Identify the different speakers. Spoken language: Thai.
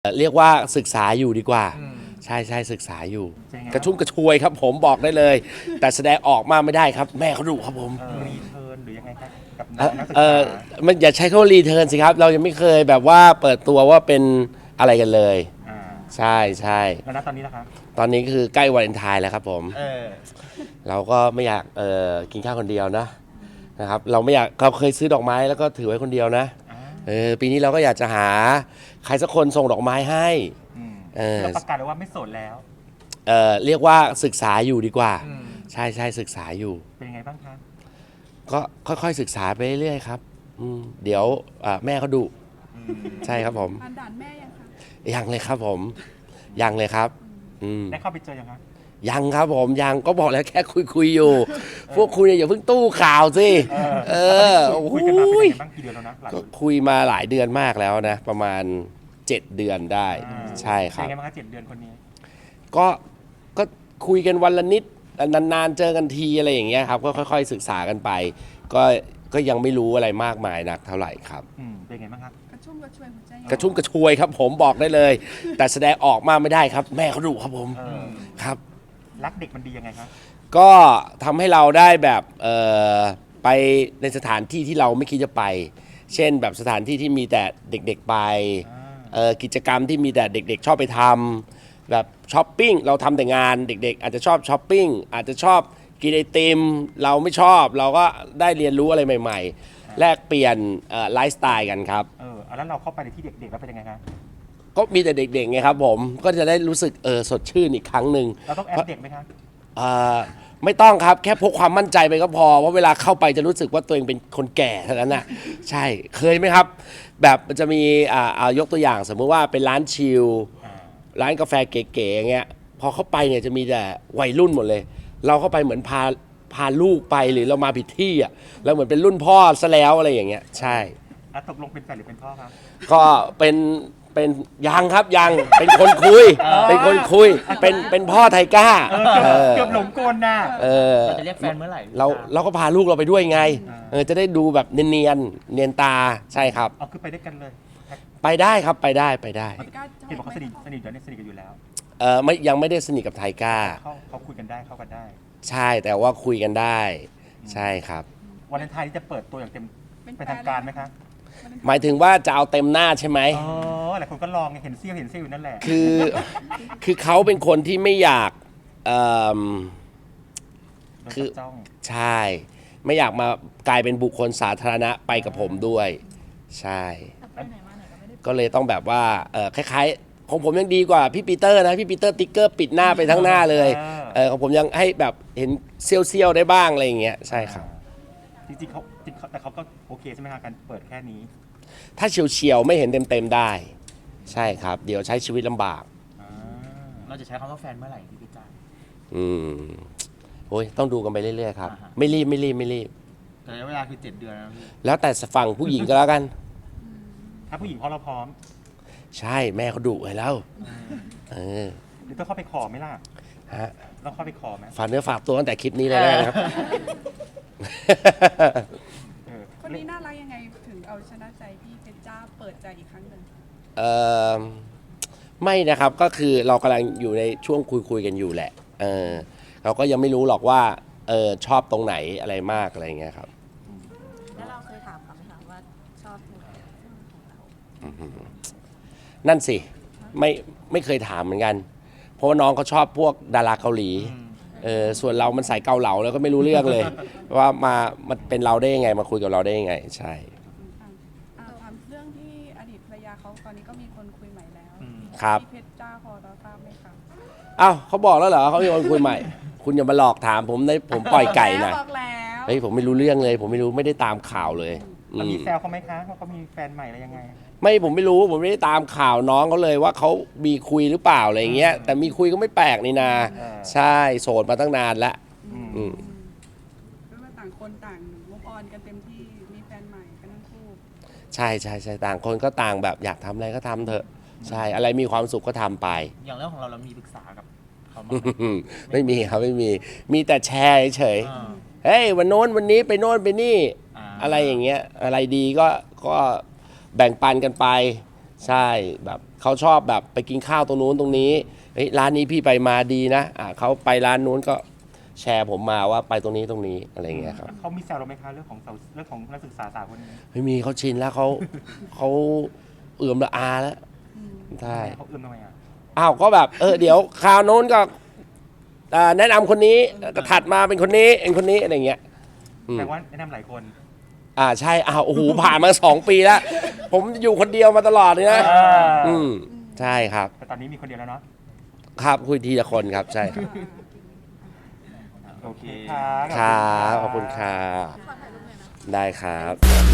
Speaker 1: เรียกว่าศึกษาอยู่ดีกว่าใช่ใช่ศึกษาอยู่กระชุ่มกระชวยครับผมบอกได้เลย แต่แสดงออกมาไม่ได้ครับแม่เขาดุครับผม
Speaker 2: รีเทิร์นหรือยังไงครับกับน้องนักศึกษา
Speaker 1: มันอย่าใช้คำว่ารีเทิร์นสิครับเรายังไม่เคยแบบว่าเปิดตัวว่าเป็นอะไรกันเลยใช่ใช่
Speaker 2: แล้วตอนนี้ล่ะครับ
Speaker 1: ตอนนี้คือใกล้วาเลนไทน์แล้วครับผมเราก็ไม่อยากกินข้าวคนเดียวนะครับเราไม่อยากเราเคยซื้อดอกไม้แล้วก็ถือไว้คนเดียวนะปีนี้เราก็อยากจะหาใครสักคนส่งดอกไม้ให้
Speaker 2: เราประกาศเลยว่าไม่โสดแล้ว
Speaker 1: เรียกว่าศึกษาอยู่ดีกว่าใช่ใช่ศึกษาอยู่
Speaker 2: เป็นยังไงบ้างครับ
Speaker 1: ก็ค่อยๆศึกษาไปเรื่อยๆครับเดี๋ยวแม่เขาดุใช่ครับผม
Speaker 3: ด่านแม่ยังคะ
Speaker 1: ยังเลยครับผมยังเลยครับ
Speaker 2: ได้เข้าไปเจอยังครับ
Speaker 1: ยังครับผมยังก็บอกแล้วแค่คุยอยู่พวกคุณอย่าเพิ่งตู้ข่าวสิ
Speaker 2: คุยกันมาเป็นยังไงบ้างกี่เดือนแล้วนะ
Speaker 1: ก็คุยมาหลายเดือนมากแล้วนะประมาณ7 เดือนได้ใช่ครับ
Speaker 2: เป็นยังไงบ้างครับ7 เดือนคนนี้
Speaker 1: ก็คุยกันวันละนิดนานๆเจอกันทีอะไรอย่างเงี้ยครับก็ค่อยๆศึกษากันไปก็ยังไม่รู้อะไรมากมายนักเท่าไหร่ครับ
Speaker 2: เป็นไงบ้างครับ
Speaker 3: กระชุ่มกระชวยหัวใจ
Speaker 1: กระชุ่มกระชวยครับผมบอกได้เลย แต่แสดงออกมาไม่ได้ครับแม่เขาดุครับผมครับ
Speaker 2: รักเด็กมันดียังไงครับ
Speaker 1: ก็ทำให้เราได้แบบไปในสถานที่ที่เราไม่คิดจะไปเช่นแบบสถานที่ที่มีแต่เด็กๆไปกิจกรรมที่มีแต่เด็กๆชอบไปทำแบบช้อปปิ้งเราทำแต่งานเด็กๆอาจจะชอบช้อปปิ้งอาจจะชอบกินไอติมเราไม่ชอบเราก็ได้เรียนรู้อะไรใหม่ๆแลกเปลี่ยนไลฟ์สไตล์กันครับ
Speaker 2: แล้วเราเข้าไปในที่เด็กๆแล้วเป็นยังไงครับ
Speaker 1: ก็มีแต่เด็กๆไงครับผมก็จะได้รู้สึกสดชื่นอีกครั้งหนึ่ง
Speaker 2: เราต้องแอปเด็กไหมครับ
Speaker 1: ไม่ต้องครับแค่พกความมั่นใจไปก็พอว่าเวลาเข้าไปจะรู้สึกว่าตัวเองเป็นคนแก่เท่านั้นน่ะใช่เคยไหมครับแบบมันจะมียกตัวอย่างสมมติว่าเป็นร้านชิลร้านกาแฟเก๋ๆอย่างเงี้ยพอเข้าไปเนี่ยจะมีแต่วัยรุ่นหมดเลยเราเข้าไปเหมือนพาลูกไปหรือเรามาผิดที่อ่ะแล้วเหมือนเป็นรุ่นพ่อซะแล้วอะไรอย่างเงี้ยใช่
Speaker 2: ตกลงเป็นแฟนหรือเป็นพ่อครับ
Speaker 1: ก็เป็นยังครับยังเป็นคนคุยเป็นคนคุยเป็นพ่อไทก้า
Speaker 2: เกือบหลงกลน่ะ
Speaker 4: เราจะเรียกแฟนเมื่อไหร่
Speaker 1: เราก็พาลูกเราไปด้วยไงจะได้ดูแบบเนียนตาใช่ครับ
Speaker 2: คือไปด้วยกันเลย
Speaker 1: ไปได้ครับไปได้
Speaker 2: เห็นบอกเขาสนิทเดี๋ยวนี้สนิทกันอยู่แล้ว
Speaker 1: ยังไม่ได้สนิทกับไทก้า
Speaker 2: เขาคุยกันได้เข้ากันได้
Speaker 1: ใช่แต่ว่าคุยกันได้ใช่ครับ
Speaker 2: วาเลนไทน์จะเปิดตัวอย่างเต็มเป็นทางการไหมครับ
Speaker 1: หมายถึงว่าจะเอาเต็มหน้าใช่ไหม
Speaker 2: หลายคนก็ลองเห็นเซี่ยวอยู่นั่นแหละ
Speaker 1: คือเขาเป็นคนที่ไม่อยาก
Speaker 2: คือ
Speaker 1: ใช่ไม่อยากมากลายเป็นบุคคลสาธารณะไปกับผมด้วยใช่ก็เลยต้องแบบว่าคล้ายๆของผมยังดีกว่าพี่ปีเตอร์นะพี่ปีเตอร์ติ๊กเกอร์ปิดหน้าไปทั้งหน้าเลยของผมยังให้แบบเห็นเซี่ยวๆได้บ้างอะไรอย่างเงี้ยใช่ครับ
Speaker 2: จริงๆแต่เขาก็โอเคใช่ไหมครับการเปิดแค่นี้
Speaker 1: ถ้าเฉียวๆไม่เห็นเต็มๆได้ใช่ครับเดี๋ยวใช้ชีวิตลำบาก
Speaker 4: เราจะใช้คำว่าแฟนเมื่อไหร่พี่พิจารณ์
Speaker 1: โอ้ยต้องดูกันไปเรื่อยๆครับไม่รีบ
Speaker 4: แต่เวลาคือ7 เดือน
Speaker 1: แล้วแต่ฝั่งผู้หญิงก็แล้วกัน
Speaker 2: ถ้าผู้หญิงเราพร้อม
Speaker 1: ใช่แม่เขาดุไว้แล้ว
Speaker 2: หรือต้องเข้าไปขอไหมล่ะ
Speaker 1: ฮะ
Speaker 2: ต้องเข้าไปขอไหม
Speaker 1: ฝากเนื้อฝากตัวตั้งแต่คลิปนี้เลยนะครับ
Speaker 3: คนนี้น่ารักยังไงถึงเอาชนะใจพี่เพชรจ้าเปิดใจอีกครั้งหนึ่ง
Speaker 1: ไม่นะครับก็คือเรากำลังอยู่ในช่วงคุยกันอยู่แหละเราก็ยังไม่รู้หรอกว่าชอบตรงไหนอะไรมากอะไรเงี้ยครับ
Speaker 5: แล้วเราเคยถามเขาไหมคะว่าชอบตรงไหนของเรา
Speaker 1: นั่นสิไม่เคยถามเหมือนกันเพราะว่าน้องเขาชอบพวกดาราเกาหลีส่วนเรามันใส่เกาเหลาแล้วก็ไม่รู้เรื่องเลยว่ามันเป็นเราได้ยังไงมาคุยกับเราได้ยังไงใช่
Speaker 3: ถามเรื่องที่อดีตภรรยาเขาตอนนี้ก็มีคนคุยใหม่แล้ว
Speaker 1: ครับ
Speaker 3: พี่เพชรจ้าพอเราทราบไหมคะ
Speaker 1: อ้าวเขาบอกแล้วเหรอเขามีคนคุยใหม่ คุณอย่ามาหลอกถามผมผมปล่อยไก่นะเฮ้ยผมไม่รู้เรื่องเลยผมไม่ได้ตามข่าวเลย
Speaker 2: มีแซวเขาไหมคะว่าเขามีแฟนใหม่อะไรยังไง
Speaker 1: ผมไม่รู้ผมไม่ได้ตามข่าวน้องเขาเลยว่าเขามีคุยหรือเปล่าอะไรอย่างเงี้ยแต่มีคุยก็ไม่แปลกนี่นาใช่โสดมาตั้งนานแล้ว
Speaker 3: ก็ว่าต่างคนต่างมุกออนกันเต็มที่มีแฟนใหม่กันทั้งคู่
Speaker 1: ใช่ต่างคนก็ต่างแบบอยากทำอะไรก็ทำเถอะใช่อะไรมีความสุขก็ทำไป
Speaker 4: อย่างเรื่องของเรามีปรึกษากับเขาไหม
Speaker 1: ไม่มีครับไม่มีแต่แชร์เฉยเฮ้ยวันโน้นวันนี้ไปโน้นไปนี่อะไรอย่างเงี้ยอะไรดีก็แบ่งปันกันไปใช่แบบเขาชอบแบบไปกินข้าวตรงนู้นตรงนี้เฮ้ยร้านนี้พี่ไปมาดีนะเขาไปร้านนู้นก็แชร์ผมมาว่าไปตรงนี้ตรงนี้อะไรอย่างเงี้ยครับ
Speaker 2: เขามีแซวเราไหมคะเรื่องของนักศึกษาสาวคนนี้
Speaker 1: ไม่มีเขาชินแล้วเขาเอื่อมละอาแล้วใช่
Speaker 2: เขาเอื้อมทำไมอ่ะ
Speaker 1: อ้าวก็แบบเดี๋ยวคราวโน้นก็แนะนำคนนี้ก็ถัดมาเป็นคนนี้เป็นคนนี้อะไรอย่างเงี้ยอืม
Speaker 2: แต่ว่าแนะนำหลายคน
Speaker 1: ใช่โอ้โหผ่านมา 2 ปีแล้ว ผมอยู่คนเดียวมาตลอดเลยนะใช่ครับ
Speaker 2: แต่ตอนนี้มีคนเดียวแล้วเนาะ
Speaker 1: ครับคุยทีละคนครับใช่ครับ
Speaker 2: โอเคค่ะ
Speaker 1: ครับขอบคุณครับ
Speaker 5: ขอถ่ายรูปหน่อยนะ
Speaker 1: ได้ครับ